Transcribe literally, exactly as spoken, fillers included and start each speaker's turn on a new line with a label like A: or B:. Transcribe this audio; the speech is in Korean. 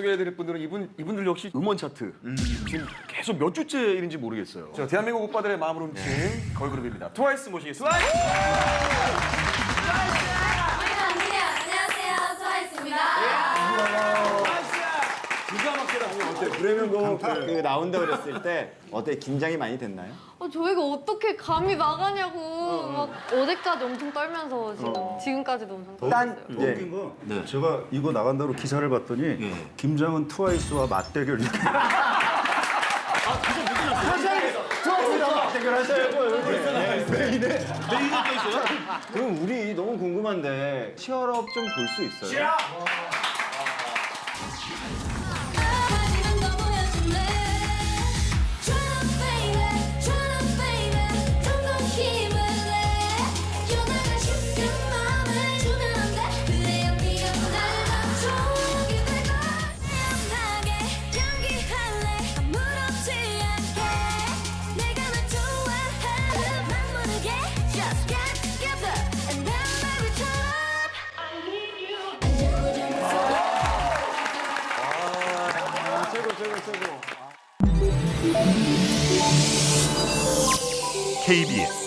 A: 소개해드릴 분들은 이분 이분들 역시 음원 차트 음. 지금 계속 몇 주째인지 모르겠어요. 자, 대한민국 오빠들의 마음을 훔친 네. 걸그룹입니다. 트와이스 모시겠습니다. 트와이스!
B: 안녕하세요, 트와이스입니다.
C: 기가 막히다. 어때? 브레면곡 그 나온다 그랬을 때 어때? 긴장이 많이 됐나요?
B: 어, 저희가 어떻게 감히 나가냐고 막 어제까지 엄청 떨면서 지금 지금까지도 엄청 떨고
C: 딴
B: 있어요.
C: 예.
D: 웃긴 거 제가 이거 나간다고 기사를 봤더니 김장은 트와이스와 맞대결 이렇게
C: 트와이스랑 대결하셔야죠.
D: 메인에
A: 메인에 있어요?
C: 그럼 우리 너무 궁금한데 치얼업 좀 볼 수 있어요?
B: 하지만 너 보여줄래? Tryna baby, tryna baby, 좀 더 힘을 내. 연하가 싶은 마음을 주면 안 돼. 그래야 네가 날 맞춰주게 될 걸. 태연하게 연기할래. 아무렇지 않게 내가 널 좋아하는 맘 모르게 Just get together and then baby turn up. I need you.
C: 최고 최고 최고.
E: 케이비에스